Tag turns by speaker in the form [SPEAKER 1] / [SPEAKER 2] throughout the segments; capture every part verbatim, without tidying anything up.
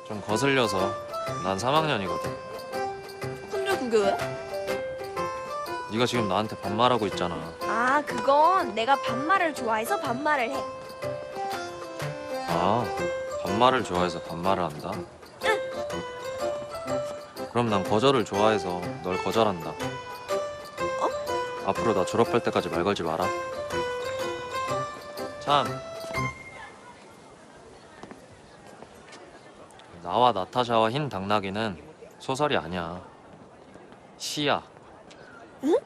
[SPEAKER 1] 좀 거슬려서. 난 삼 학년이거든.
[SPEAKER 2] 근데 그게 왜?
[SPEAKER 1] 네가 지금 나한테 반말하고 있잖아.
[SPEAKER 2] 아, 그건 내가 반말을 좋아해서 반말을 해.
[SPEAKER 1] 아, 반말을 좋아해서 반말을 한다? 그럼 난 거절을 좋아해서 널 거절한다. 앞으로 나 졸업할 때까지 말 걸지 마라. 참. 나와 나타샤와 흰 당나귀는 소설이 아니야. 시야.
[SPEAKER 2] 응?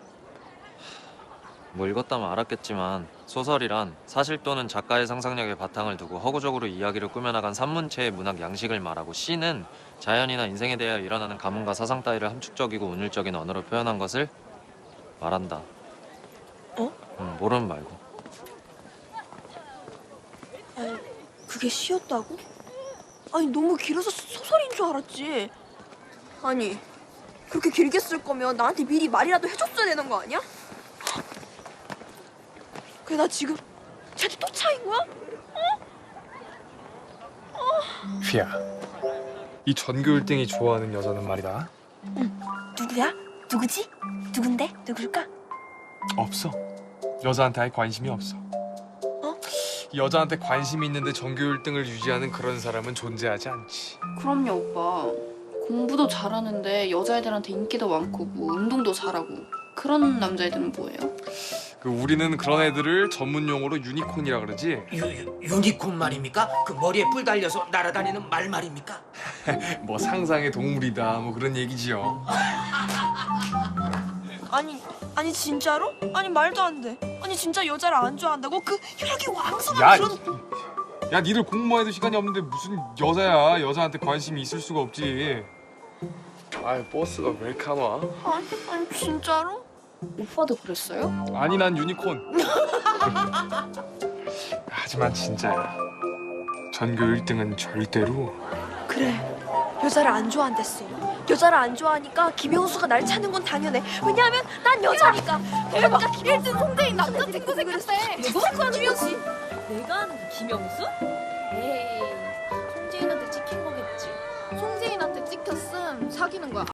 [SPEAKER 1] 뭐 읽었다면 알았겠지만 소설이란 사실 또는 작가의 상상력에 바탕을 두고 허구적으로 이야기를 꾸며나간 산문체의 문학 양식을 말하고, 시는 자연이나 인생에 대하여 일어나는 가문과 사상 따위를 함축적이고 운율적인 언어로 표현한 것을 말한다.
[SPEAKER 2] 어?
[SPEAKER 1] 응, 모르면 말고.
[SPEAKER 2] 아니, 그게 시였다고? 아니, 너무 길어서 소설인 줄 알았지. 아니, 그렇게 길게 쓸 거면 나한테 미리 말이라도 해줬어야 되는 거 아니야? 그래, 나 지금 쟤한테 또 차인 거야?
[SPEAKER 3] 휘야, 이 전교 일 등이 좋아하는 여자는 말이다.
[SPEAKER 2] 누구야? 누구지? 누군데? 누굴까?
[SPEAKER 3] 없어. 여자한테 아예 관심이 없어.
[SPEAKER 2] 어?
[SPEAKER 3] 여자한테 관심이 있는데 전교 일 등을 유지하는 그런 사람은 존재하지 않지.
[SPEAKER 4] 그럼요, 오빠. 공부도 잘하는데 여자애들한테 인기도 많고 뭐 운동도 잘하고 그런 남자애들은 뭐예요?
[SPEAKER 3] 그 우리는 그런 애들을 전문 용어로 유니콘이라 그러지.
[SPEAKER 5] 유, 유, 유니콘 말입니까? 그 머리에 뿔 달려서 날아다니는 말 말입니까?
[SPEAKER 3] 뭐 상상의 동물이다 뭐 그런 얘기지요.
[SPEAKER 2] 아니, 아니 진짜로? 아니 말도 안 돼. 아니 진짜 여자를 안 좋아한다고? 그 혈액이 왕성한
[SPEAKER 3] 야,
[SPEAKER 2] 그런...
[SPEAKER 3] 야, 니들 공부해도 시간이 없는데 무슨 여자야? 여자한테 관심이 있을 수가 없지. 아, 버스가 왜 이렇게 안 와?
[SPEAKER 2] 아니, 아니 진짜로?
[SPEAKER 4] 오빠도 그랬어요?
[SPEAKER 3] 아니, 난 유니콘. 하지만 진짜야. 전교 일 등은 절대로.
[SPEAKER 2] 그래, 여자를 안 좋아한댔어. 여자를 안 좋아하니까 김영수가 날 찾는 건 당연해. 왜냐하면 난 여자니까. 대박! 일 등 홍대인 남자 친구 생겼대. 누구? 김영수.
[SPEAKER 6] 내가 아는 그 김영수? 에이, 송재인한테 찍힌 거겠지. 송재인한테 찍혔음 사귀는 거야.